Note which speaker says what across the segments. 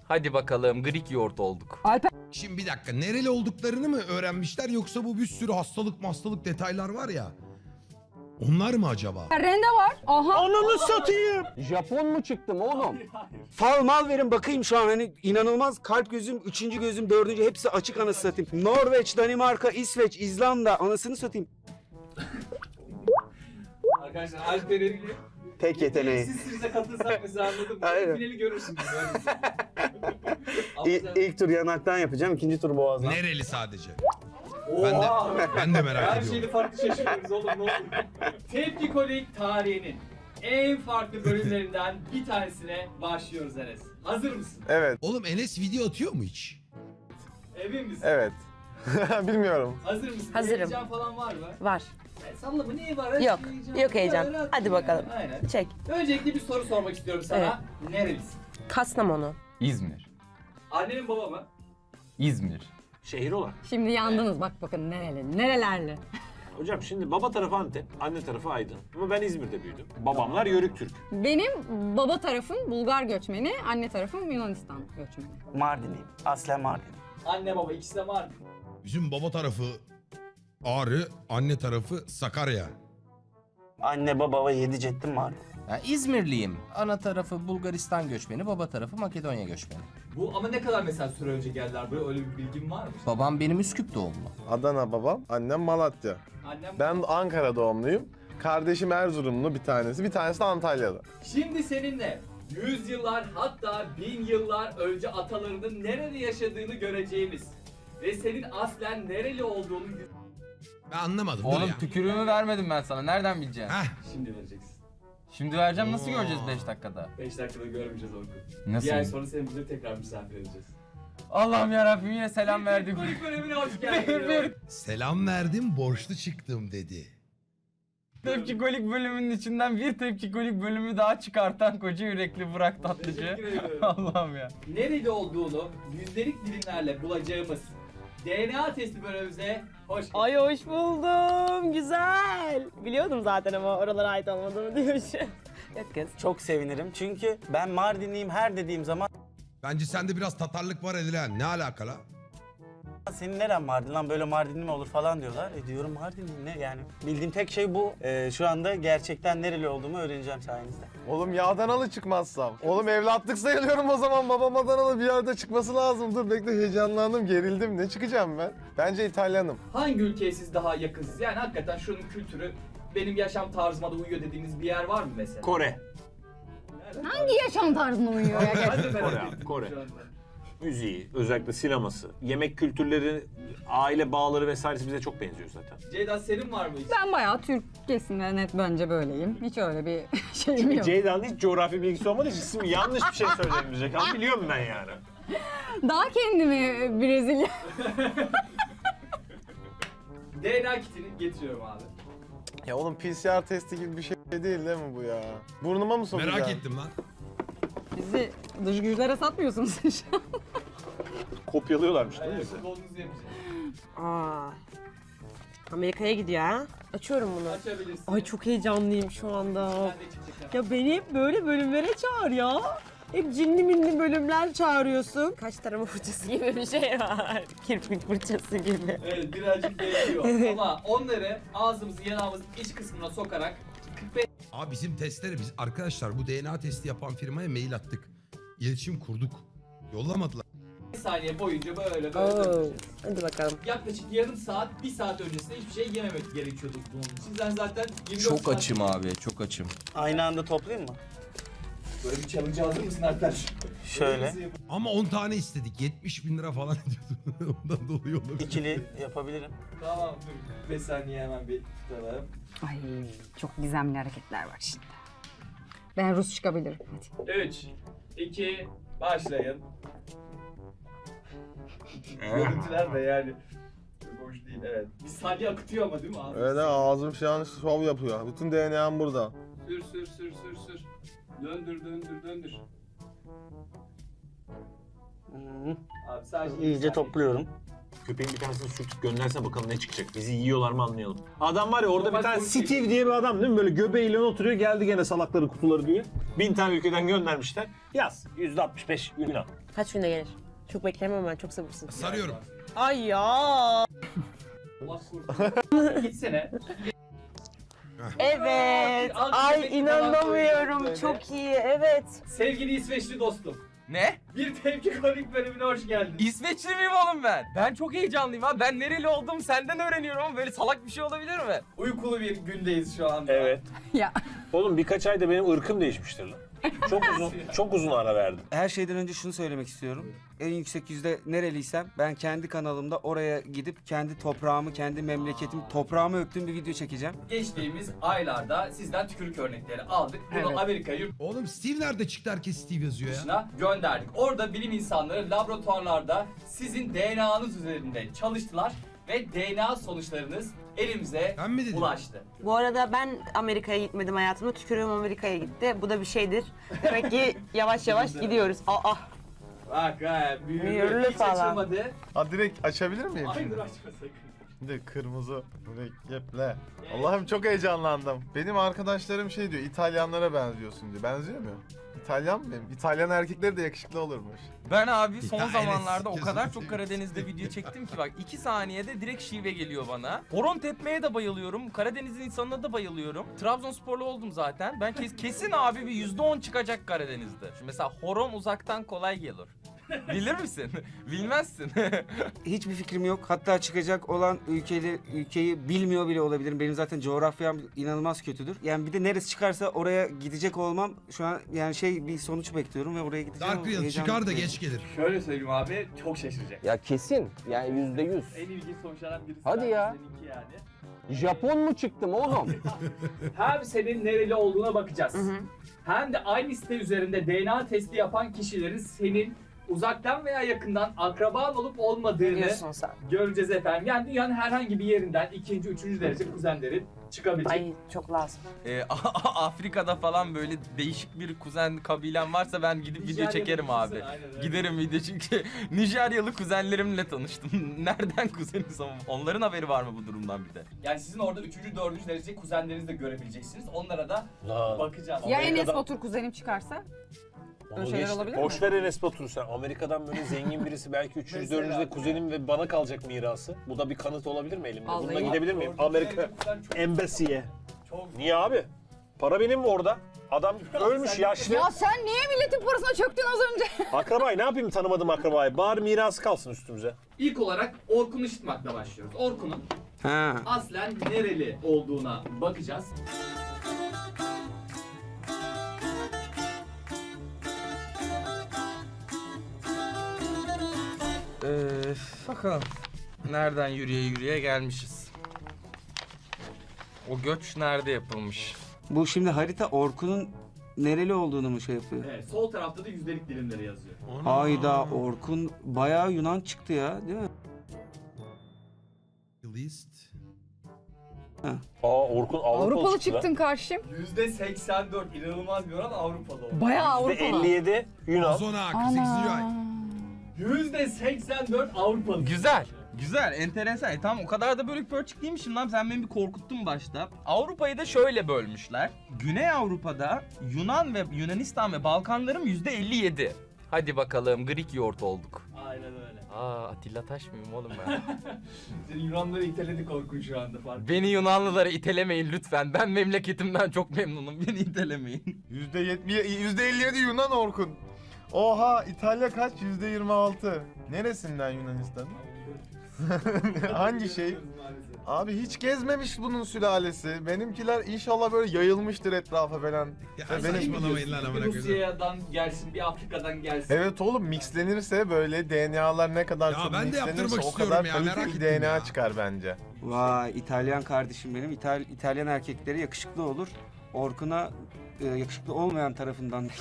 Speaker 1: Hadi bakalım Greek yoğurt olduk.
Speaker 2: Şimdi bir dakika, nereli olduklarını mı öğrenmişler yoksa bu bir sürü hastalık detaylar var ya. Onlar mı acaba?
Speaker 3: Rende var. Aha.
Speaker 4: Ananı satayım.
Speaker 5: Japon mu çıktım oğlum? Fal mal verin bakayım şu an hani inanılmaz kalp gözüm, 3. gözüm, 4. hepsi açık anasını satayım. Norveç, Danimarka, İsveç, İzlanda anasını satayım.
Speaker 6: Arkadaşlar Alper'in
Speaker 5: Tek yeteneği.
Speaker 6: size katılsak mesela anladım.
Speaker 5: Aynen.
Speaker 6: Finali görürsünüz.
Speaker 5: İlk tur yanaktan yapacağım, 2. tur boğazdan.
Speaker 2: Nereli sadece?
Speaker 6: Oha!
Speaker 2: Ben de merak
Speaker 6: Her
Speaker 2: ediyorum.
Speaker 6: şeyde farklı şaşırıyoruz oğlum ne olur. Tepkikolik tarihinin en farklı bölümlerinden bir tanesine başlıyoruz Enes. Hazır mısın?
Speaker 4: Evet,
Speaker 2: Oğlum Enes video atıyor mu hiç?
Speaker 6: Emin misin?
Speaker 4: evet. Bilmiyorum.
Speaker 6: Hazır mısın?
Speaker 7: Hazırım.
Speaker 6: Heyecan falan var mı?
Speaker 7: Var.
Speaker 6: Salla bu neyi var?
Speaker 7: Yok, yok heyecan.
Speaker 6: Rahat
Speaker 7: Hadi
Speaker 6: yani.
Speaker 7: bakalım.
Speaker 6: Aynen.
Speaker 7: Çek.
Speaker 6: Öncelikle bir soru sormak istiyorum sana. Nerelisin?
Speaker 7: Kastamonu.
Speaker 1: İzmir.
Speaker 6: Annenin baba mı?
Speaker 1: İzmir.
Speaker 8: Şehir olarak.
Speaker 3: Şimdi yandınız bak bakın nereli, nerelerli.
Speaker 8: Hocam şimdi baba tarafı Antep, anne tarafı Aydın. Ama ben İzmir'de büyüdüm. Babamlar Yörük Türk.
Speaker 3: Benim baba tarafım Bulgar göçmeni, anne tarafım Yunanistan göçmeni.
Speaker 5: Mardinliyim, aslen Mardin.
Speaker 6: Anne baba ikisi de var.
Speaker 2: Bizim baba tarafı Ağrı, anne tarafı Sakarya.
Speaker 5: Anne baba ve 7 ceddim Mardin.
Speaker 9: Ya İzmirliyim. Ana tarafı Bulgaristan göçmeni, baba tarafı Makedonya göçmeni.
Speaker 6: Bu ama ne kadar mesela süre önce geldiler buraya öyle bir bilgin var mı?
Speaker 9: Babam benim Üsküp doğumlu.
Speaker 4: Adana babam, annem Malatya.
Speaker 6: Annem
Speaker 4: Ben Ankara doğumluyum. Kardeşim Erzurumlu bir tanesi de Antalya'da.
Speaker 6: Şimdi seninle yüzyıllar hatta 1000 yıllar önce atalarının nerede yaşadığını göreceğimiz ve senin aslen nereli olduğunu
Speaker 2: Ben anlamadım. dur
Speaker 1: Oğlum
Speaker 2: ya.
Speaker 1: tükürüğümü vermedim ben sana. Nereden bileceksin?
Speaker 2: Heh,
Speaker 6: şimdi vereceksin.
Speaker 1: Şimdi vereceğim, nasıl göreceğiz 5 dakikada?
Speaker 6: 5 dakikada görmeyeceğiz Orkun.
Speaker 1: Nasıl?
Speaker 6: Bir ay sonra seni bize tekrar misafir edeceğiz.
Speaker 1: Allah'ım yarabbim yine selam verdik.
Speaker 6: Kulüp bölümüne hoş geldin.
Speaker 2: selam verdim, borçlu çıktım dedi.
Speaker 1: Tepkikolik bölümünün içinden bir tepkikolik bölümü daha çıkartan koca yürekli Burak Tatlıcı.
Speaker 6: Teşekkür ederim.
Speaker 1: Allah'ım ya.
Speaker 6: Nerede olduğunu yüzdelik dilimlerle bulacağımız DNA testi bölümümüze hoş geldin.
Speaker 7: Ay hoş buldum. Güzel. Biliyordum zaten ama oralara ait olmadığımı diyor şu. Yok kız.
Speaker 5: Çok sevinirim çünkü ben Mardinliyim her dediğim zaman
Speaker 2: Bence sende biraz Tatarlık var Edilen. Ne alakalı?
Speaker 5: senin neren Mardin lan böyle Mardinli mi olur falan diyorlar. Diyorum Mardinli ne yani. Bildiğim tek şey bu. Şu anda gerçekten nereli olduğumu öğreneceğim sayenizde.
Speaker 4: Oğlum ya Adanalı çıkmazsam. Oğlum evlatlık sayılıyorum o zaman. Babam Adanalı bir yerde çıkması lazım. Dur bekle heyecanlandım, gerildim. Ne çıkacağım ben? Bence İtalyanım.
Speaker 6: Hangi ülkeye siz daha yakınsınız? Yani hakikaten şunun kültürü benim yaşam tarzıma da uyuyor dediğiniz bir yer var mı mesela?
Speaker 8: Kore.
Speaker 3: Hangi yaşam tarzına uyuyor ya?
Speaker 6: Hadi merak
Speaker 8: Kore
Speaker 6: ettim
Speaker 8: abi, Kore.
Speaker 6: şu anda.
Speaker 8: Müziği, özellikle sineması, yemek kültürleri, aile bağları vesairesi bize çok benziyor zaten.
Speaker 6: Ceyda senin var mı hiç?
Speaker 3: Ben bayağı Türk kesimine net bence böyleyim. Hiç öyle bir şeyim yok.
Speaker 8: Ceyda'nın hiç coğrafi bilgisi olmadığı için şimdi yanlış bir şey söyleyebilecek ama biliyorum ben yani.
Speaker 3: Daha kendimi Brezilya...
Speaker 6: DNA kitini getiriyorum abi.
Speaker 4: Ya oğlum PCR testi gibi bir şey değil mi bu ya? Burnuma mı sokacaksın?
Speaker 2: Merak ettim lan.
Speaker 3: Bizi dış güçlere satmıyorsunuz şu an.
Speaker 8: Kopyalıyorlarmış değil mi bizi?
Speaker 6: Kolunuzu yapacağım.
Speaker 7: Aa. Amerika'ya gidiyor ha. Açıyorum bunu.
Speaker 6: Açabilirsin.
Speaker 7: Ay çok heyecanlıyım şu anda.
Speaker 6: Ben de çıkacak.
Speaker 7: Ya beni hep böyle bölümlere çağır ya. Hep cinli minli bölümler çağırıyorsun. Kaç tarama fırçası gibi bir şey var. Kirpik fırçası gibi.
Speaker 6: Evet birazcık değişiyor ama onları ağzımızın yanağımızın iç kısmına sokarak 45
Speaker 2: Abi bizim testleri biz arkadaşlar bu DNA testi yapan firmaya mail attık. İletişim kurduk. Yollamadılar.
Speaker 6: saniye boyunca böyle
Speaker 7: Oo.
Speaker 6: döneceğiz.
Speaker 7: Hadi bakalım.
Speaker 6: Yaklaşık yarım saat, 1 saat öncesinde hiçbir şey yememek gerekiyordu bunun için. Sen zaten 24
Speaker 9: Çok
Speaker 6: saat-
Speaker 9: açım abi, çok açım.
Speaker 5: Aynı anda toplayayım mı?
Speaker 6: Böyle bir challenge hazır mısın Alper?
Speaker 5: Şöyle.
Speaker 2: Ama 10 tane istedik. 70 bin lira falan ediyordu. Ondan dolayı olabilir.
Speaker 5: İkili yapabilirim.
Speaker 6: Tamam dur. 5 saniye hemen bir tutalım.
Speaker 3: Ay çok gizemli hareketler var şimdi. Ben Rus çıkabilirim. Hadi.
Speaker 6: 3, 2, başlayın. Görüntüler de yani çok hoş değil evet. Bir saniye akıtıyor ama değil mi abi?
Speaker 4: Öyle ağzım şu an şov yapıyor. Bütün DNA'm burada.
Speaker 6: Sür sür sür sür sür. Döndür döndür döndür.
Speaker 5: Hmm,
Speaker 6: Abi sadece
Speaker 5: İyice topluyorum.
Speaker 8: Köpeğin bir tanesini sürtüp göndersen bakalım ne çıkacak. Bizi yiyorlar mı anlayalım. Adam var ya orada
Speaker 6: Normal
Speaker 8: bir tane
Speaker 6: konuşayım.
Speaker 8: Steve diye bir adam değil mi? Böyle göbeğiyle oturuyor geldi gene salakları kutuları diye. 1000 tane ülkeden göndermişler. Yaz. %65 Yunan.
Speaker 7: Kaç günde gelir? Çok beklemem ben, çok sabırsızım.
Speaker 2: Sarıyorum.
Speaker 7: Ay ya.
Speaker 6: Allah korusun. Gitsene.
Speaker 7: Evet. Ay inanamıyorum. Çok iyi. Evet.
Speaker 6: Sevgili İsveçli dostum.
Speaker 1: Ne?
Speaker 6: Bir tepki kolik bölümüne hoş geldin.
Speaker 1: İsveçli miyim oğlum ben? Ben çok heyecanlıyım ha. Ben nereli olduğumu senden öğreniyorum ama böyle salak bir şey olabilir mi?
Speaker 6: Uykulu bir gündeyiz şu anda.
Speaker 8: Evet.
Speaker 3: Ya.
Speaker 8: Oğlum birkaç ayda benim ırkım değişmiştir lan. Çok uzun ara verdim.
Speaker 5: Her şeyden önce şunu söylemek istiyorum. En yüksek yüzde nereliysem ben kendi kanalımda oraya gidip kendi toprağımı, kendi memleketimi, toprağımı öptüğüm bir video çekeceğim.
Speaker 6: Geçtiğimiz aylarda sizden tükürük örnekleri aldık. Bunu
Speaker 3: Evet.
Speaker 6: Amerika yurt
Speaker 2: Oğlum Steve nerede çıktı? Herkes Steve yazıyor ya.
Speaker 6: dışına gönderdik. Orada bilim insanları laboratuvarlarda sizin DNA'nız üzerinde çalıştılar ve DNA sonuçlarınız elimize
Speaker 2: Ben mi dedim?
Speaker 6: ulaştı.
Speaker 7: Bu arada ben Amerika'ya gitmedim hayatımda. Tükürüğüm Amerika'ya gitti. Bu da bir şeydir. Demek ki yavaş yavaş gidiyoruz. Aa.
Speaker 6: Bak ha,
Speaker 7: Mühürlü
Speaker 6: büyülü hiç
Speaker 7: falan.
Speaker 6: açılmadı.
Speaker 4: Ha direkt açabilir miyim
Speaker 6: Hayır
Speaker 4: şimdi?
Speaker 6: açma sakın.
Speaker 4: Şimdi kırmızı mürekkeple. Allah'ım çok heyecanlandım. Benim arkadaşlarım şey diyor, İtalyanlara benziyorsun diyor. Benziyor mu? İtalyan mı benim? İtalyan erkekleri de yakışıklı olurmuş.
Speaker 1: Ben abi son
Speaker 2: Ya
Speaker 1: zamanlarda o
Speaker 2: Enes,
Speaker 1: kadar
Speaker 2: kesin
Speaker 1: çok Karadeniz'de video çektim ki bak 2 saniyede direkt şive geliyor bana. Horon tepmeye de bayılıyorum. Karadeniz'in insanına da bayılıyorum. Trabzonsporlu oldum zaten. Ben kesin abi bir %10 çıkacak Karadeniz'de. Şu mesela horon uzaktan kolay gelir. Bilir misin? Bilmezsin.
Speaker 5: Hiçbir fikrim yok. Hatta çıkacak olan ülkeyi bilmiyor bile olabilirim. Benim zaten coğrafyam inanılmaz kötüdür. Yani bir de neresi çıkarsa oraya gidecek olmam şu an yani bir sonuç bekliyorum ve oraya gideceğim.
Speaker 2: Dark Real
Speaker 5: Heyecanlı
Speaker 2: çıkar da
Speaker 5: bekliyorum.
Speaker 2: geç gelir.
Speaker 6: Şöyle söyleyeyim abi, çok şaşıracak.
Speaker 10: Ya kesin. Yani %100.
Speaker 6: En ilginç sonuçlardan birisi.
Speaker 10: Hadi ya.
Speaker 6: Seninki yani.
Speaker 10: Japon mu çıktım oğlum?
Speaker 6: Hem senin nereli olduğuna bakacağız. Hem de aynı site üzerinde DNA testi yapan kişilerin senin uzaktan veya yakından akraban olup olmadığını
Speaker 7: Diyorsun sen.
Speaker 6: göreceğiz efendim. Yani dünyanın herhangi bir yerinden ikinci, üçüncü derece kuzenlerin çıkabilecek.
Speaker 7: Ay çok lazım.
Speaker 1: Afrika'da falan böyle değişik bir kuzen kabilem varsa ben gidip video
Speaker 6: Nijeryalı
Speaker 1: çekerim
Speaker 6: kuzen,
Speaker 1: abi.
Speaker 6: aynen öyle.
Speaker 1: Giderim video çünkü Nijeryalı kuzenlerimle tanıştım. Nereden kuzeniz ama onların haberi var mı bu durumdan bir de?
Speaker 6: Yani sizin orada üçüncü, dördüncü derece kuzenlerinizi de görebileceksiniz. Onlara da
Speaker 8: Lan.
Speaker 6: bakacağız.
Speaker 3: Ya
Speaker 8: Amerika'da-
Speaker 3: Enes Batur kuzenim çıkarsa?
Speaker 8: Onu
Speaker 3: Böyle şeyler
Speaker 8: geçtim.
Speaker 3: olabilir mi?
Speaker 8: Boş ver Enes Batur'u sen. Amerika'dan böyle zengin birisi belki 300
Speaker 6: Mesela.
Speaker 8: 400 de kuzenim ve bana kalacak mirası. Bu da bir kanıt olabilir mi elimde?
Speaker 3: Vallahi.
Speaker 8: Bununla gidebilir miyim?
Speaker 6: Dördüncü
Speaker 8: Amerika
Speaker 6: derece kuzen çok-
Speaker 8: Embassy'ye.
Speaker 6: çok-
Speaker 8: Niye abi? Para benim mi orada? Adam ölmüş
Speaker 6: Sen-
Speaker 8: yaşlı.
Speaker 3: Ya sen niye milletin parasına çöktün az önce?
Speaker 8: Akrabayı ne yapayım tanımadığım akrabayı? Bari mirası kalsın üstümüze.
Speaker 6: İlk olarak Orkun Işıtmak'la başlıyoruz. Orkun'un
Speaker 5: Ha.
Speaker 6: aslen nereli olduğuna bakacağız.
Speaker 1: Bakalım. Nereden yürüye gelmişiz. O göç nerede yapılmış?
Speaker 5: Bu şimdi harita Orkun'un nereli olduğunu mu şey yapıyor?
Speaker 6: Evet, sol tarafta da yüzdelik dilimleri yazıyor.
Speaker 5: Hayda Orkun bayağı Yunan çıktı ya değil mi?
Speaker 2: List.
Speaker 8: Orkun Avrupalı
Speaker 3: Avrupalı
Speaker 8: çıktı lan.
Speaker 3: çıktın karşım.
Speaker 6: %84 inanılmaz bir oran Avrupalı oldu.
Speaker 3: Bayağı Avrupalı.
Speaker 8: 57 Yunan.
Speaker 2: Ozona 48. ay.
Speaker 6: %84 Avrupalı.
Speaker 1: Güzel. Güzel, enteresan. Tamam o kadar da bölük pörçük değilmişim lan. Sen beni bir korkuttun başta. Avrupa'yı da şöyle bölmüşler. Güney Avrupa'da Yunan ve Yunanistan ve Balkanların %57. Hadi bakalım Greek yoğurt olduk.
Speaker 6: Aynen öyle.
Speaker 1: Atilla Taş mıyım oğlum ben?
Speaker 6: Seni Yunanları iteledik Orkun şu anda fark.
Speaker 1: Beni Yunanlılara itelemeyin lütfen. Ben memleketimden çok memnunum. Beni itelemeyin.
Speaker 4: %57 Yunan Orkun. Oha, İtalya kaç? %26. Neresinden Yunanistan? Hangi şey? Abi hiç gezmemiş bunun sülalesi. Benimkiler inşallah böyle yayılmıştır etrafa falan.
Speaker 2: Ya
Speaker 4: benim-
Speaker 2: saçmalamayın lan
Speaker 6: Bir
Speaker 2: amına koyayım.
Speaker 6: Rusya'dan gelsin, bir Afrika'dan gelsin.
Speaker 4: Evet oğlum, mixlenirse böyle DNA'lar ne kadar
Speaker 2: Ya
Speaker 4: çok
Speaker 2: ben de
Speaker 4: mixlenirse
Speaker 2: yaptırmak
Speaker 4: o
Speaker 2: istiyorum
Speaker 4: kadar
Speaker 2: ya,
Speaker 4: kaliteli
Speaker 2: merak
Speaker 4: bir
Speaker 2: ettim
Speaker 4: DNA
Speaker 2: ya.
Speaker 4: çıkar bence.
Speaker 5: Vay İtalyan kardeşim benim. İtalyan erkekleri yakışıklı olur. Orkun'a yakışıklı olmayan tarafından.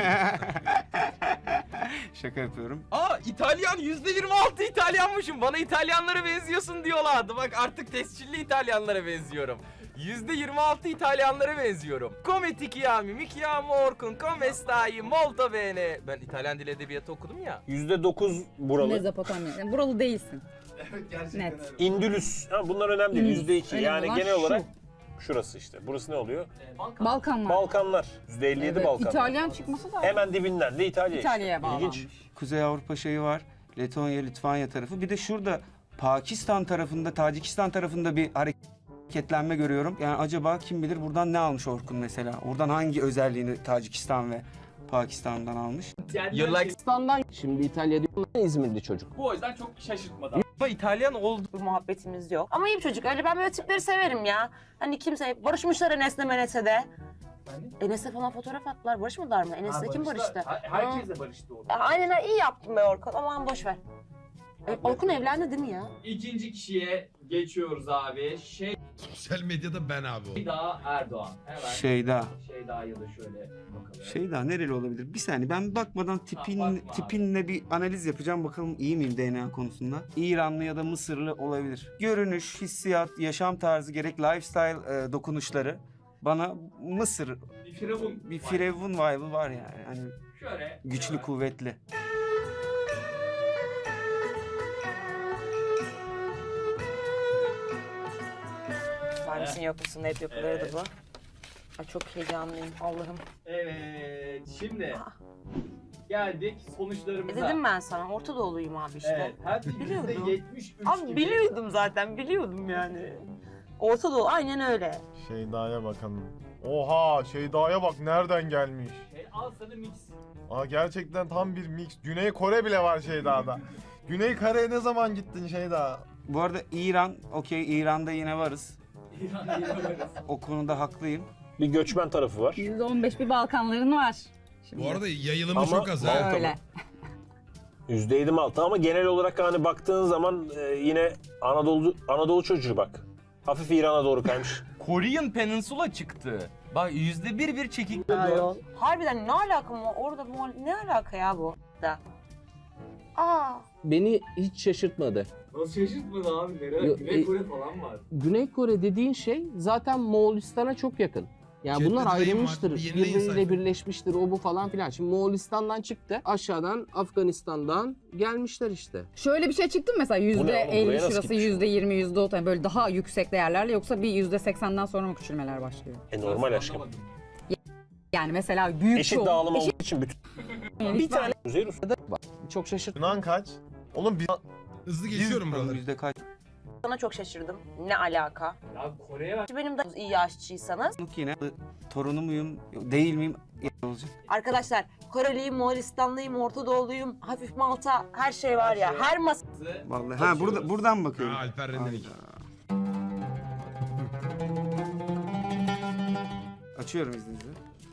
Speaker 5: Şaka yapıyorum.
Speaker 1: İtalyan %26 İtalyanmışım. Bana İtalyanlara benziyorsun diyorlardı. Bak artık tescilli İtalyanlara benziyorum. %26 İtalyanlara benziyorum. Come ti chiami, mi chiamo Orkun, come stai, molto bene. Ben İtalyan dil edebiyatı okudum ya.
Speaker 8: %9 buralı.
Speaker 3: Mezopotamya. Yani buralı değilsin. Net.
Speaker 8: İndülüs. Ha, bunlar önemli değil.
Speaker 3: İndülüs.
Speaker 8: %2.
Speaker 3: Önemli
Speaker 8: Yani
Speaker 3: olan
Speaker 8: genel
Speaker 3: şu.
Speaker 8: olarak şurası işte. Burası ne oluyor?
Speaker 3: Balkanlar.
Speaker 8: Balkanlar. %57
Speaker 3: Evet,
Speaker 8: Balkanlar.
Speaker 3: İtalyan çıkması da
Speaker 8: Hemen dibinden de İtalya işte.
Speaker 3: İtalya'ya bağlanmış.
Speaker 8: İlginç.
Speaker 5: Kuzey Avrupa şeyi var. Letonya, Litvanya tarafı. Bir de şurada Pakistan tarafında, Tacikistan tarafında bir hareketlenme görüyorum. Yani acaba kim bilir buradan ne almış Orkun mesela? Oradan hangi özelliğini Tacikistan ve Pakistan'dan almış?
Speaker 6: Yani
Speaker 1: You like
Speaker 10: Pakistan'dan şimdi İtalya diyorlar, İzmirli çocuk.
Speaker 6: bu o yüzden çok şaşırtmadı.
Speaker 1: ama İtalyan oldu.
Speaker 7: Bir muhabbetimiz yok. Ama iyi bir çocuk. Öyle ben böyle tipleri severim ya. Hani kimse barışmışlar Enes'le Menes'e de. Enes'le falan fotoğraf attılar. Barışmadılar mı? Enes'le kim barıştı?
Speaker 6: Herkesle barıştı o.
Speaker 7: Aynen iyi yaptın be Orkun. Aman boş ver. Orkun evlendi değil mi ya?
Speaker 6: İkinci kişiye geçiyoruz abi.
Speaker 2: Sosyal medyada ben abi o.
Speaker 6: Şeyda Erdoğan. Hemen
Speaker 5: Şeyda.
Speaker 6: Şeyda'ya da şöyle bakalım.
Speaker 5: Şeyda nereli olabilir? Bir saniye ben bakmadan
Speaker 6: bakma abi.
Speaker 5: tipinle bir analiz yapacağım. Bakalım iyi miyim DNA konusunda? İranlı ya da Mısırlı olabilir. Görünüş, hissiyat, yaşam tarzı gerek lifestyle dokunuşları bana Mısır
Speaker 6: Bir firavun.
Speaker 5: bir firavun vibe'ı var yani. Hani
Speaker 6: Şöyle.
Speaker 5: güçlü,
Speaker 6: hemen.
Speaker 5: kuvvetli.
Speaker 7: Var mısın yok musun? Hep yapılırdı
Speaker 6: Evet.
Speaker 7: bu. Ay çok heyecanlıyım Allah'ım.
Speaker 6: Evet. Şimdi geldik sonuçlarımıza.
Speaker 7: Dedim ben sana Orta Doğuluyum abi işte.
Speaker 6: Evet. Hem
Speaker 7: Biliyordum.
Speaker 6: %73
Speaker 7: Abi
Speaker 6: gibi.
Speaker 7: biliyordum zaten biliyordum yani. Orta Doğu aynen öyle.
Speaker 4: Şeyda'ya bakalım. Oha Şeyda'ya bak nereden gelmiş.
Speaker 6: Al sana mix.
Speaker 4: Aa gerçekten tam bir mix. Güney Kore bile var Şeyda'da. Güney Kore'ye ne zaman gittin Şeyda?
Speaker 5: Bu arada İran, okey İran'da yine varız.
Speaker 6: İran'da varız.
Speaker 5: O konuda haklıyım.
Speaker 8: Bir göçmen tarafı var.
Speaker 3: %15 bir Balkanların var. Şimdi.
Speaker 2: Bu arada yayılımı
Speaker 8: Ama
Speaker 2: çok az ha.
Speaker 8: Malta
Speaker 3: Öyle.
Speaker 8: %7 Malta ama genel olarak hani baktığın zaman yine Anadolu çocuğu bak. Hafif İran'a doğru kaymış.
Speaker 1: Korean Peninsula çıktı. Bak %1 çekik.
Speaker 7: Harbiden ne alaka mı? Orada ne alaka ya bu? Da. Aa.
Speaker 10: Beni hiç şaşırtmadı.
Speaker 6: Nasıl şaşırtmadı abi? Nereye?
Speaker 10: Yo,
Speaker 6: Güney Kore falan var.
Speaker 10: Güney Kore dediğin şey zaten Moğolistan'a çok yakın. Yani
Speaker 2: Chatte
Speaker 10: bunlar
Speaker 2: dayım var,
Speaker 10: ayrılmıştır,
Speaker 2: bir yenileyin
Speaker 10: birbiriyle
Speaker 2: sayfa.
Speaker 10: birleşmiştir, o bu falan filan. Şimdi Moğolistan'dan çıktı, aşağıdan Afganistan'dan gelmişler işte.
Speaker 3: Şöyle bir şey çıktı mı mesela
Speaker 8: Bu ne oğlum? Buraya
Speaker 3: %50
Speaker 8: nasıl
Speaker 3: şurası,
Speaker 8: gitmiş?
Speaker 3: %20, %30 yani böyle daha yüksek değerlerle yoksa bir %80'den sonra mı küçülmeler başlıyor?
Speaker 8: Normal aşkım.
Speaker 6: Anlamadım.
Speaker 3: Yani mesela büyük
Speaker 8: Eşit
Speaker 3: çoğu-
Speaker 8: dağılım
Speaker 3: eşit-
Speaker 8: olduğu için bütün
Speaker 3: bir tane
Speaker 8: Kuzey Rus.
Speaker 10: Çok şaşırt.
Speaker 4: Yunan kaç? Oğlum biz...
Speaker 2: Hızlı geçiyorum buraları.
Speaker 5: Yüzde kaç?
Speaker 7: Sana çok şaşırdım. Ne alaka?
Speaker 6: Ya Kore'ye bak.
Speaker 7: Benim de iyi aşçıysanız.
Speaker 5: Yine torunu muyum, değil miyim? Olacak.
Speaker 7: Arkadaşlar Koreliyim, Moğolistanlıyım, Orta Doğuluyum, hafif Malta her şey var ya. Her masa
Speaker 5: Vallahi ha buradan
Speaker 2: Ha,
Speaker 5: bakıyorum.
Speaker 2: Alper Rendelik.
Speaker 5: Açıyorum izninizle.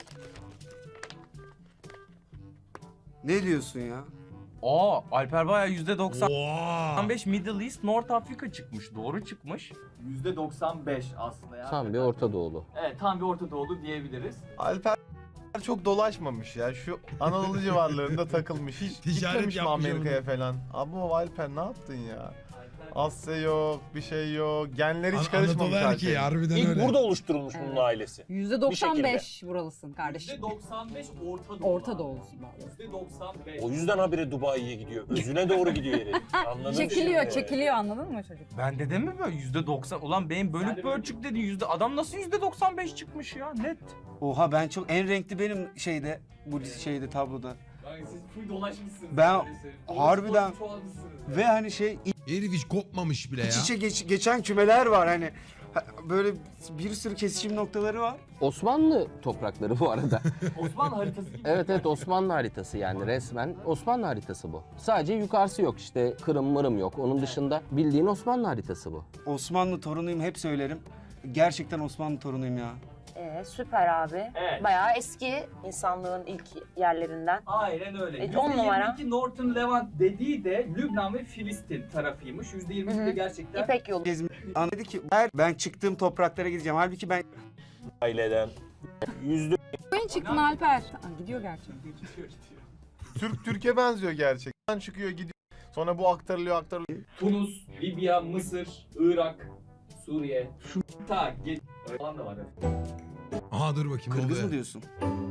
Speaker 5: Ne diyorsun ya?
Speaker 1: Aa Alper bayağı %95
Speaker 2: Oha.
Speaker 1: Middle East, North Africa çıkmış. Doğru çıkmış.
Speaker 6: %95 aslında ya.
Speaker 10: Tam bir Orta Doğulu.
Speaker 6: Evet tam bir Orta Doğulu diyebiliriz.
Speaker 4: Alper çok dolaşmamış ya. Şu Anadolu civarlarında takılmış. Hiç
Speaker 2: Ticaret
Speaker 4: gitmemiş mi
Speaker 2: yapmış
Speaker 4: Amerika'ya falan? Abi o Alper ne yaptın ya? Asya yok, bir şey yok. Genleri hiç karışmamış
Speaker 2: Anadolu erkeği
Speaker 4: Alper'in.
Speaker 2: harbiden
Speaker 8: İlk
Speaker 2: öyle.
Speaker 8: burada oluşturulmuş bunun ailesi.
Speaker 3: %95 buralısın kardeşim.
Speaker 6: %95 Orta Doğu.
Speaker 3: Orta Doğulusun vallahi.
Speaker 6: %95.
Speaker 8: O yüzden habire Dubai'ye gidiyor. Özüne doğru gidiyor herif. Anladın mı?
Speaker 3: Çekiliyor anladın mı çocuk?
Speaker 1: Ben dedim mi böyle %90? Ulan benim
Speaker 6: Sen de
Speaker 1: bölük
Speaker 6: böyle-
Speaker 1: bölçük dedin adam nasıl %95 çıkmış ya net.
Speaker 5: Oha ben çok en renkli benim şeyde bu tabloda.
Speaker 6: Yani siz full dolaşmışsınız.
Speaker 5: Ben
Speaker 6: öyle söyleyeyim.
Speaker 5: harbiden-
Speaker 6: Dolaşıp çoğalmışsınız.
Speaker 5: Ve hani şey
Speaker 2: Herif hiç kopmamış bile ya.
Speaker 5: iç içe geçen kümeler var hani böyle bir sürü kesişim noktaları var.
Speaker 10: Osmanlı toprakları bu arada.
Speaker 6: Osmanlı haritası gibi.
Speaker 10: Evet Osmanlı haritası yani resmen Osmanlı haritası bu. Sadece yukarısı yok işte Kırım mırım yok. Onun dışında bildiğin Osmanlı haritası bu.
Speaker 5: Osmanlı torunuyum hep söylerim. Gerçekten Osmanlı torunuyum ya.
Speaker 7: Süper abi.
Speaker 6: Evet.
Speaker 7: Bayağı eski insanlığın ilk yerlerinden.
Speaker 6: Aynen öyle.
Speaker 7: Evet, on numara.
Speaker 6: %22 Northern Levant dediği de Lübnan ve Filistin tarafıymış. %22 de gerçekten.
Speaker 7: İpek yolu.
Speaker 5: Dedi ki ben çıktığım topraklara gideceğim. Halbuki ben
Speaker 8: Aileden.
Speaker 3: Ben çıktın Alper. Aa, gidiyor gerçekten.
Speaker 4: Türk Türkiye benziyor gerçekten. Çıkıyor gidiyor. Sonra bu aktarılıyor.
Speaker 6: Tunus, Libya, Mısır, Irak, Suriye. Ta git falan da var.
Speaker 2: Aha dur bakayım. ne
Speaker 5: Kırgız
Speaker 2: oluyor?
Speaker 5: mı diyorsun?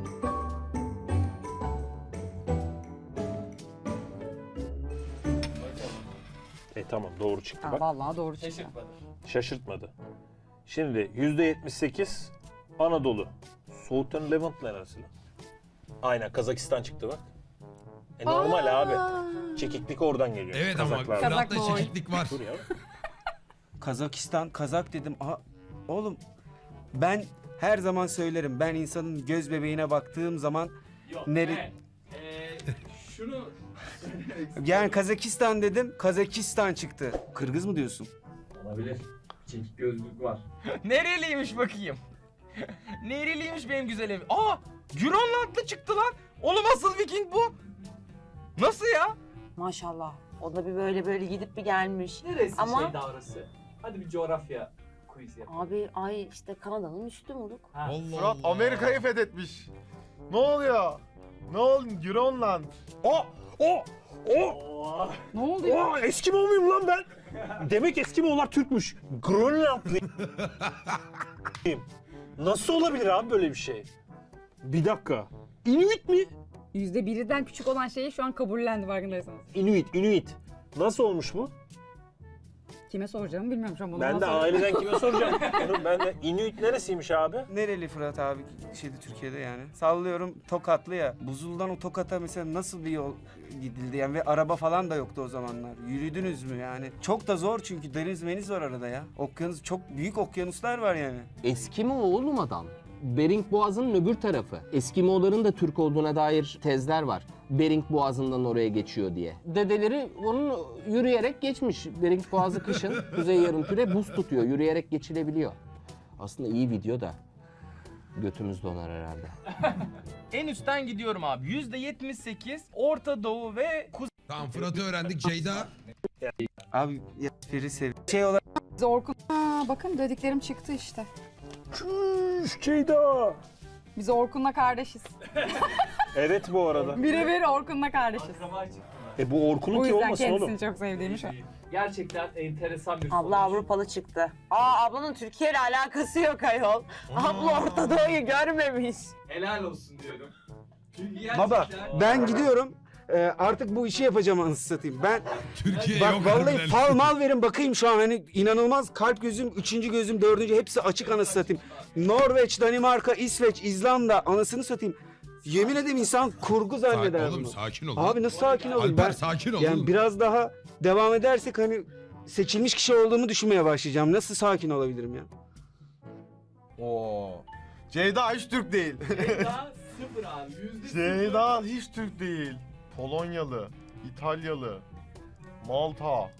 Speaker 8: Tamam doğru çıktı
Speaker 3: Ha,
Speaker 8: bak.
Speaker 3: vallahi doğru çıktı.
Speaker 6: Şaşırtmadı.
Speaker 8: Şaşırtmadı. Şimdi %78 Anadolu. Southern Levant neresi lan? Aynen Kazakistan çıktı bak. Normal abi. Çekiklik oradan geliyor.
Speaker 2: Evet ama
Speaker 8: Kazaklardan.
Speaker 3: Kazak
Speaker 2: Fırat'ta
Speaker 3: boy.
Speaker 2: çekiklik var.
Speaker 8: Dur ya.
Speaker 5: Kazakistan, Kazak dedim. Aha, oğlum ben her zaman söylerim. Ben insanın göz bebeğine baktığım zaman
Speaker 6: Yok.
Speaker 5: Nere-
Speaker 6: Şunu
Speaker 5: yani Kazakistan dedim. Kazakistan çıktı. Kırgız mı diyorsun?
Speaker 6: olabilir. Çekik gözlük var.
Speaker 1: Nereliymiş bakayım? Nereliymiş benim güzelim? Aa! Grönlandlı çıktı lan. Oğlum asıl Viking bu. Nasıl ya?
Speaker 7: Maşallah. O da bir böyle gidip bir gelmiş.
Speaker 6: Neresi
Speaker 7: Ama-
Speaker 6: şey davrası? Hadi bir coğrafya quiz yap.
Speaker 7: Abi ay işte Kanada'nın üstü moruk.
Speaker 6: Ha.
Speaker 2: Allah
Speaker 4: Fırat
Speaker 2: Allah.
Speaker 4: Amerika'yı fethetmiş. Ne oluyor? Ne oldu? Grönland.
Speaker 3: Ne oldu ya?
Speaker 8: Eskimo muyum lan ben? Demek Eskimo'lar Türkmüş. Grönlandlıyım. Nasıl olabilir abi böyle bir şey? Bir dakika. Inuit mi?
Speaker 3: %1'den küçük olan şeyi şu an kabullendi farkındaysanız.
Speaker 8: Inuit. Nasıl olmuş bu?
Speaker 3: Kime soracağımı bilmiyorum şu an. Bunu
Speaker 8: Ben
Speaker 3: bana
Speaker 8: de
Speaker 3: sor.
Speaker 8: aileden kime soracağım? Ben de Inuit neresiymiş abi?
Speaker 5: Nereli Fırat abi Türkiye'de yani? Sallıyorum Tokatlı ya. Buzul'dan o Tokat'a mesela nasıl bir yol gidildi yani ve araba falan da yoktu o zamanlar. Yürüdünüz mü yani? Çok da zor çünkü deniz meniz var arada ya. Okyanus çok büyük okyanuslar var yani.
Speaker 10: Eskimo oğlum adam. Bering Boğazı'nın öbür tarafı. Eskimoların da Türk olduğuna dair tezler var. Bering Boğazı'ndan oraya geçiyor diye. Dedeleri onun yürüyerek geçmiş. Bering Boğazı kışın kuzey yarımküre buz tutuyor. Yürüyerek geçilebiliyor. Aslında iyi video da götümüz donar herhalde.
Speaker 1: En üstten gidiyorum abi. %78 Orta Doğu ve Kuzey.
Speaker 2: Tamam Fırat'ı öğrendik. Ceyda.
Speaker 5: Abi ya biri şey olarak
Speaker 3: Biz Orkun... Aa, bakın dediklerim çıktı işte.
Speaker 8: Çüş Ceyda.
Speaker 3: Biz Orkun'la kardeşiz.
Speaker 8: Evet bu arada.
Speaker 3: Birebir Orkun'la kardeşiz.
Speaker 6: Akraba çıktı.
Speaker 8: Bu Orkun'un
Speaker 3: O
Speaker 8: ki
Speaker 3: yüzden
Speaker 8: olmasın
Speaker 3: kendisini
Speaker 8: oğlum.
Speaker 3: çok sevdiğimi şu an.
Speaker 6: Gerçekten enteresan bir
Speaker 7: Abla
Speaker 6: sonuç.
Speaker 7: Avrupalı çıktı. Aa ablanın Türkiye ile alakası yok ayol. Abla Orta Doğu'yu görmemiş.
Speaker 6: Helal olsun diyorum. Çünkü
Speaker 5: baba
Speaker 6: gerçekten...
Speaker 5: ben gidiyorum. Artık bu işi yapacağım anasını satayım. Ben
Speaker 2: Türkiye
Speaker 5: bak
Speaker 2: yok
Speaker 5: vallahi
Speaker 2: harbiden.
Speaker 5: fal mal verin bakayım şu an hani inanılmaz kalp gözüm, 3. gözüm, 4. hepsi açık anasını satayım. Norveç, Danimarka, İsveç, İzlanda anasını satayım. Yemin ederim insan kurgu zanneder
Speaker 2: Oğlum
Speaker 5: bunu.
Speaker 2: sakin ol.
Speaker 5: Abi nasıl sakin olayım?
Speaker 2: Alper
Speaker 5: Ben
Speaker 2: sakin ol.
Speaker 5: yani
Speaker 2: oğlum.
Speaker 5: biraz daha devam edersek hani seçilmiş kişi olduğumu düşünmeye başlayacağım. Nasıl sakin olabilirim ya?
Speaker 4: Oo. Ceyda hiç Türk değil.
Speaker 6: Ceyda sıfır abi. %0.
Speaker 4: Ceyda hiç Türk değil. Polonyalı, İtalyalı, Malta.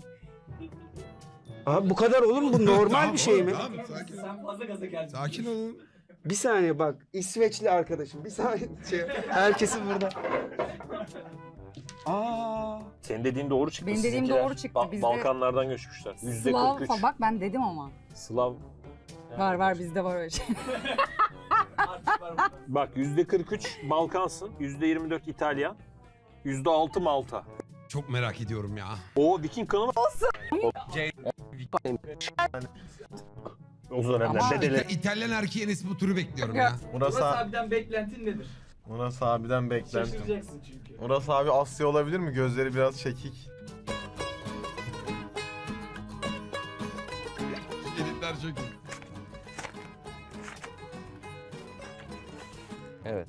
Speaker 5: Abi bu kadar olur mu? Bu normal
Speaker 2: Tamam
Speaker 5: bir şey
Speaker 2: oğlum,
Speaker 5: mi?
Speaker 2: Tamam sakin.
Speaker 6: Sen fazla gaza geldin.
Speaker 2: Sakin olun.
Speaker 5: Bir saniye bak. İsveçli arkadaşım. Bir saniye. Herkesi burada. Aa.
Speaker 8: Senin dediğin doğru çıktı.
Speaker 3: Benim dediğim
Speaker 8: Sizinkiler
Speaker 3: doğru çıktı. Bizde
Speaker 8: Balkanlardan göçmüşler.
Speaker 3: Slav
Speaker 8: %43.
Speaker 3: falan. Bak ben dedim ama.
Speaker 8: Slav.
Speaker 3: Var bizde var öyle şey.
Speaker 6: Artık var burada.
Speaker 8: Bak %43 Balkansın, %24 İtalyan, %6 Malta.
Speaker 2: Çok merak ediyorum ya.
Speaker 8: O Viking kanı mı? O dönemler
Speaker 3: Ama-
Speaker 8: dedeler.
Speaker 2: İtalyan erkeğin ismi bu turu bekliyorum ya.
Speaker 6: Murat
Speaker 4: Murat,
Speaker 6: abiden beklentin nedir?
Speaker 4: Murat abiden beklentim.
Speaker 6: Şaşıracaksın çünkü.
Speaker 4: Murat abi Asya olabilir mi? Gözleri biraz çekik.
Speaker 2: Editler çok iyi.
Speaker 10: Evet.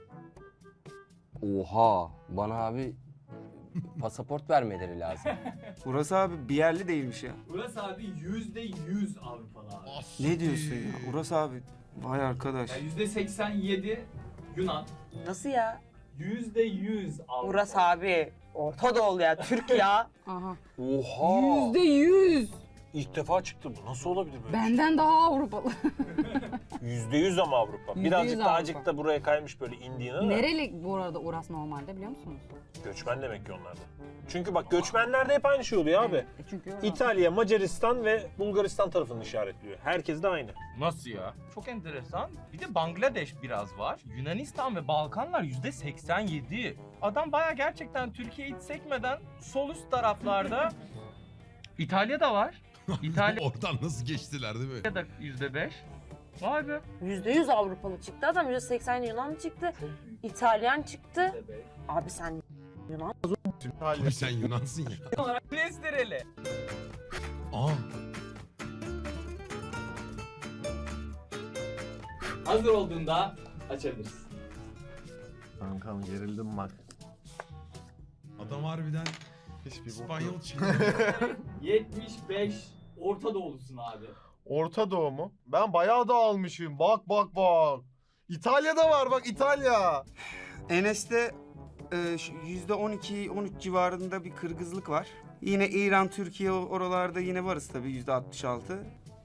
Speaker 10: Oha, bana abi pasaport vermeleri lazım.
Speaker 5: Burası abi bir yerli değilmiş ya.
Speaker 6: Murat abi %100 Avrupalı abi.
Speaker 5: Ne diyorsun ya? Uras abi. Vay arkadaş.
Speaker 6: Yani %87 Yunan.
Speaker 7: Nasıl ya?
Speaker 6: %100 Avrupa.
Speaker 7: Uras abi. Orta Doğulu ya. Türk ya.
Speaker 3: Aha.
Speaker 8: Oha!
Speaker 3: %100.
Speaker 8: İlk defa çıktı bu. Nasıl olabilir böyle?
Speaker 3: Benden daha Avrupalı.
Speaker 8: %100 ama Avrupa.
Speaker 3: %100
Speaker 8: Birazcık da
Speaker 3: Avrupa.
Speaker 8: azıcık da buraya kaymış böyle indiğine de.
Speaker 3: Nereli bu arada Uras normalde biliyor musunuz?
Speaker 8: Göçmen demek ki onlar da. Çünkü bak göçmenlerde hep aynı şey oluyor abi.
Speaker 3: Çünkü Uras.
Speaker 8: İtalya, Macaristan ve Bulgaristan tarafını işaretliyor. Herkes de aynı.
Speaker 1: Nasıl ya? Çok enteresan. Bir de Bangladeş biraz var. Yunanistan ve Balkanlar %87. Adam baya gerçekten Türkiye'yi hiç sekmeden sol üst taraflarda İtalya'da var. İtalya'da
Speaker 2: Oradan nasıl geçtiler değil mi?
Speaker 1: %5. Vay be.
Speaker 7: %100 Avrupalı çıktı adam. %80 Yunan çıktı. İtalyan çıktı. Abi sen Yunan.
Speaker 2: Abi sen Yunansın ya.
Speaker 1: Enes nereli?
Speaker 2: Aa.
Speaker 6: Hazır olduğunda açabiliriz.
Speaker 4: Kankam gerildim bak.
Speaker 2: Adam harbiden
Speaker 4: Hiçbir bok
Speaker 2: İspanyol
Speaker 4: yok.
Speaker 2: çıktı.
Speaker 6: 75 Orta Doğulusun abi.
Speaker 4: Orta Doğu mu? Ben bayağı da almışım. Bak bak bak. İtalya'da var bak İtalya.
Speaker 5: Enes'te %12-13 civarında bir kırgızlık var. Yine İran, Türkiye oralarda yine varız tabii %66.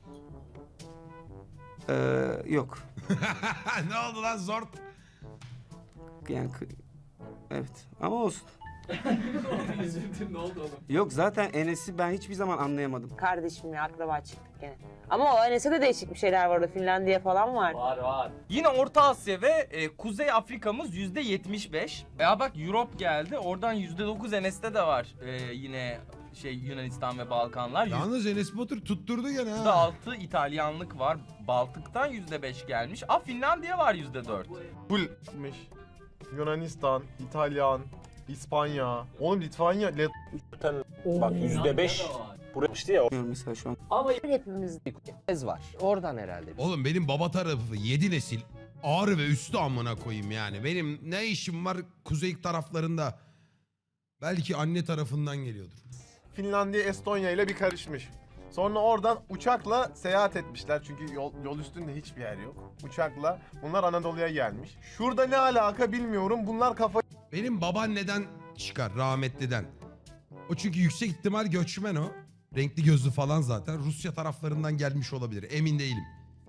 Speaker 5: Yok.
Speaker 2: Ne oldu lan zort?
Speaker 5: Yani evet ama olsun.
Speaker 6: Üzüldün ne oldu oğlum?
Speaker 5: Yok zaten Enes'i ben hiçbir zaman anlayamadım.
Speaker 7: Kardeşim ya akraba çıktık gene. Ama o Enes'e de değişik bir şeyler var orada. Finlandiya falan var.
Speaker 6: Var.
Speaker 1: Yine Orta Asya ve Kuzey Afrika'mız %75. Ya bak Europe geldi. Oradan %9 Enes'te de var. Yine Yunanistan ve Balkanlar.
Speaker 2: Yalnız Enes Batur tutturdu gene ha.
Speaker 1: %6 İtalyanlık var. Baltık'tan %5 gelmiş. Finlandiya var %4.
Speaker 4: Fullmiş. Yunanistan, İtalyan, İspanya. Oğlum Litvanya,
Speaker 8: Bak %5 buraya ya.
Speaker 5: Bilmiyorum mesela şu an.
Speaker 7: Ama hepimiz
Speaker 10: Ez var. Oradan herhalde.
Speaker 2: Oğlum benim baba tarafı 7 nesil ağrı ve üstü amına koyayım yani. Benim ne işim var kuzey taraflarında? Belki anne tarafından geliyordur.
Speaker 4: Finlandiya, Estonya ile bir karışmış. Sonra oradan uçakla seyahat etmişler çünkü yol üstünde hiçbir yer yok. Uçakla bunlar Anadolu'ya gelmiş. Şurada ne alaka bilmiyorum. Bunlar kafa
Speaker 2: Benim babaanneden çıkar rahmetliden. O çünkü yüksek ihtimal göçmen o. Renkli gözlü falan zaten. Rusya taraflarından gelmiş olabilir. Emin değilim.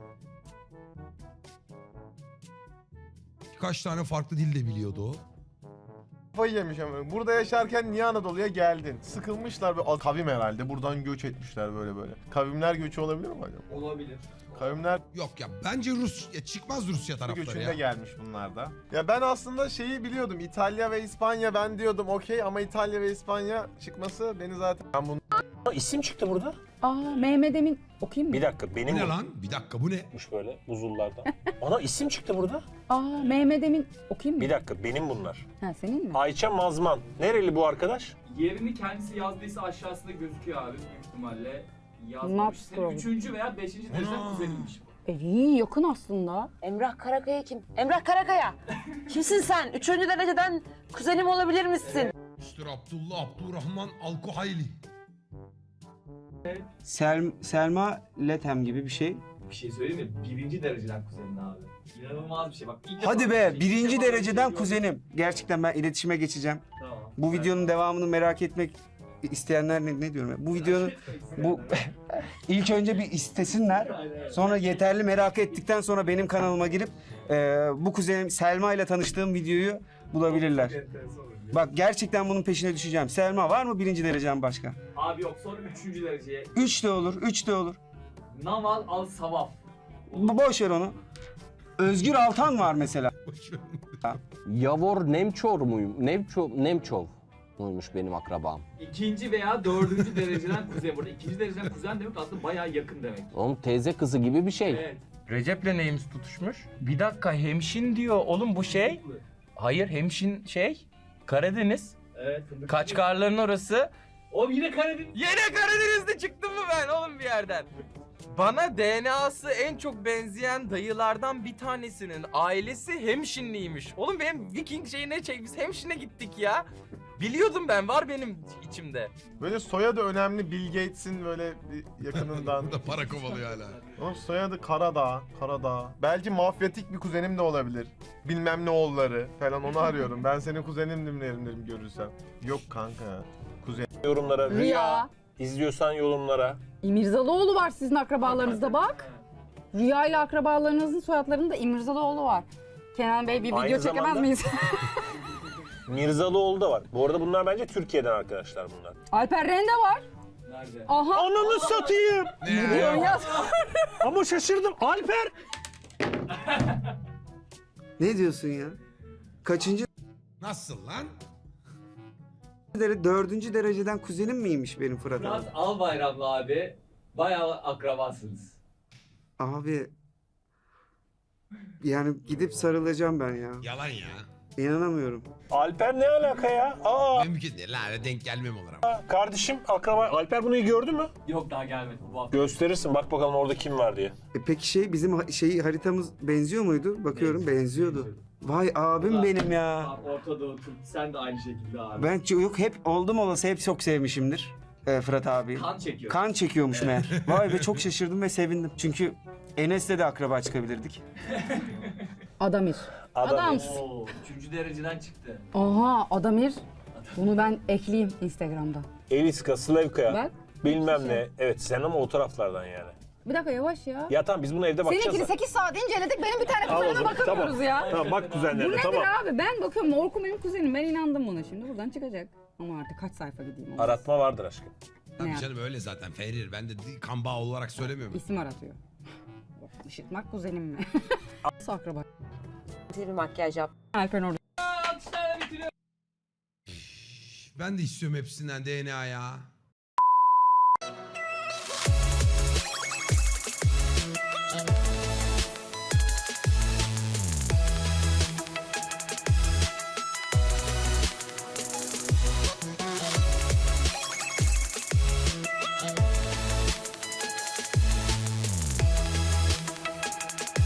Speaker 2: Kaç tane farklı dil de biliyordu o.
Speaker 4: kafayı yemiş ama. Burada yaşarken niye Anadolu'ya geldin? Sıkılmışlar ve kavim herhalde. Buradan göç etmişler böyle. Kavimler göçü olabilir mi acaba?
Speaker 6: Olabilir.
Speaker 4: Kavimler
Speaker 2: Yok ya bence çıkmaz Rusya tarafları
Speaker 4: göçünde
Speaker 2: ya.
Speaker 4: gelmiş bunlar da. Ya ben aslında şeyi biliyordum. İtalya ve İspanya ben diyordum okey ama İtalya ve İspanya çıkması beni zaten... Ben bunu
Speaker 8: İsim çıktı burada.
Speaker 3: Mehmet Emin okuyayım mı?
Speaker 8: Bir dakika
Speaker 2: Bu
Speaker 8: benim
Speaker 2: ne lan? Bir dakika bu ne?
Speaker 8: böyle buzullardan. Ana isim çıktı burada.
Speaker 3: Mehmet Emin okuyayım mı?
Speaker 8: Bir dakika benim bunlar.
Speaker 3: Ha senin mi?
Speaker 8: Ayça Mazman. Nereli bu arkadaş?
Speaker 6: Yerini kendisi yazdıysa aşağısında gözüküyor abi büyük ihtimalle. Yazmamış. Senin
Speaker 3: Not
Speaker 6: 3. veya 5. dereceden kuzeniymiş bu.
Speaker 3: İyi yakın aslında.
Speaker 7: Emrah Karakaya kim? Emrah Karakaya. Kimsin sen? 3. dereceden kuzenim olabilir misin?
Speaker 2: Mr. Abdullah Abdurrahman Alkuhayli.
Speaker 5: Selma Lethem gibi bir şey.
Speaker 6: Bir şey söyleyeyim mi? 1. dereceden kuzenin abi. İnanılmaz bir şey bak. ilk defa
Speaker 5: Hadi
Speaker 6: bir
Speaker 5: be
Speaker 6: şey- ilk
Speaker 5: birinci
Speaker 6: defa bir
Speaker 5: dereceden
Speaker 6: şey
Speaker 5: kuzenim. Gerçekten ben iletişime geçeceğim.
Speaker 6: gördüm. Tamam.
Speaker 5: Bu videonun devamını merak etmek isteyenler ne diyorum ya? Bu videonun bu ilk önce bir istesinler. Sonra yeterli merak ettikten sonra benim kanalıma girip bu kuzenim Selma ile tanıştığım videoyu bulabilirler. Bak gerçekten bunun peşine düşeceğim. Selma var mı 1. derecen başka?
Speaker 6: Abi yok sonra 3. dereceye.
Speaker 5: 3 de olur, 3 de olur.
Speaker 6: Naval al Savaf.
Speaker 5: Boş ver onu. Özgür Altan var mesela.
Speaker 10: Yavor Nemçov muymuş benim akrabam.
Speaker 6: 2. veya 4. dereceden kuzen. Burada 2. dereceden kuzen demek aslında bayağı yakın demek.
Speaker 10: Oğlum teyze kızı gibi bir şey.
Speaker 6: Evet.
Speaker 1: Recep'le neyimiz tutuşmuş? Bir dakika hemşin diyor. Oğlum bu şey. Hayır hemşin Karadeniz.
Speaker 6: Evet. fındık.
Speaker 1: Kaçkarların orası.
Speaker 6: Oğlum yine Karadeniz.
Speaker 1: Yine Karadeniz'de çıktım mı ben oğlum bir yerden? Bana DNA'sı en çok benzeyen dayılardan bir tanesinin ailesi hemşinliymiş. Oğlum benim Viking şeyine biz hemşine gittik ya. Biliyordum ben var benim içimde.
Speaker 4: böyle soyadı önemli Bill Gates'in böyle bir yakınından.
Speaker 2: Bu da para kovalıyor hala.
Speaker 4: Oğlum soyadı Karadağ. Belki mafyatik bir kuzenim de olabilir. Bilmem ne oğulları falan onu arıyorum. Ben senin kuzenimdim derim görürsem. Yok kanka.
Speaker 8: Yorumlara
Speaker 3: Rüya.
Speaker 8: İzliyorsan yorumlara.
Speaker 3: İmirzalıoğlu var sizin akrabalarınızda bak. Rüya ile akrabalarınızın soyadlarında İmirzalıoğlu var. Kenan Bey bir
Speaker 8: Aynı
Speaker 3: video çekemez
Speaker 8: zamanda-
Speaker 3: miyiz?
Speaker 8: Mirzalıoğlu da var. Bu arada bunlar bence Türkiye'den arkadaşlar bunlar.
Speaker 3: Alper Rende var.
Speaker 6: Nerede?
Speaker 3: Aha.
Speaker 8: Ananı satayım.
Speaker 2: Ne
Speaker 3: Diyorsun ya.
Speaker 8: Ama şaşırdım. Alper.
Speaker 5: Ne diyorsun ya? Kaçıncı
Speaker 2: Nasıl lan?
Speaker 5: 4. dereceden kuzenim miymiş benim Fırat abi?
Speaker 6: Fırat Albayramlı abi. Bayağı akrabasınız.
Speaker 5: Abi yani gidip sarılacağım ben ya.
Speaker 2: Yalan ya.
Speaker 5: İnanamıyorum.
Speaker 8: Alper ne alaka ya? Aa,
Speaker 2: Mümkün değil. Lan denk gelmem olur ama.
Speaker 8: kardeşim, akraba. Alper bunu gördü mü?
Speaker 6: Yok daha gelmedi bu hafta.
Speaker 8: Gösterirsin, bak bakalım orada kim var diye.
Speaker 5: Peki bizim haritamız benziyor muydu? Bakıyorum benziyordu. Vay abim benim ya.
Speaker 6: Abi, Orta Doğu Türk, sen de aynı şekilde abi.
Speaker 5: Ben yok hep oldum olası hep çok sevmişimdir Fırat abi.
Speaker 6: Kan çekiyor.
Speaker 5: Kan çekiyormuş meğer. Vay be çok şaşırdım ve sevindim. Çünkü Enes'le de akraba çıkabilirdik.
Speaker 3: Adamir.
Speaker 2: Adamir.
Speaker 6: Oo, 3. dereceden çıktı.
Speaker 3: Aha Adamir. Bunu ben ekleyeyim Instagram'da.
Speaker 8: Eliska, Slavka,
Speaker 3: Bak.
Speaker 8: bilmem ne. Evet, sen ama o taraflardan yani.
Speaker 3: Bir dakika yavaş ya.
Speaker 8: Ya tamam, biz bunu evde bakacağız.
Speaker 3: Seninkini
Speaker 8: da.
Speaker 3: 8 saat inceledik. Benim bir tane
Speaker 8: Al o
Speaker 3: kuzenime
Speaker 8: zaman,
Speaker 3: bakamıyoruz
Speaker 8: tamam.
Speaker 3: ya.
Speaker 8: Tamam, bak
Speaker 3: Bu
Speaker 8: kuzenlerine,
Speaker 3: nedir
Speaker 8: tamam.
Speaker 3: abi? Ben bakıyorum. Orkun benim kuzenim. Ben inandım buna şimdi. Buradan çıkacak. Ama artık kaç sayfa gideyim ona.
Speaker 8: Aratma vardır aşkım.
Speaker 2: Tabii
Speaker 3: Ne
Speaker 2: canım öyle zaten Ferir. Ben de kan bağı olarak söylemiyorum.
Speaker 3: İsim aratıyor. Işıtmak kuzenim mi? Nasıl akraba?
Speaker 7: Bir makyaj yap.
Speaker 3: Alper orada.
Speaker 6: Alkışlarla bitiriyor.
Speaker 2: Ben de istiyorum hepsinden DNA ya.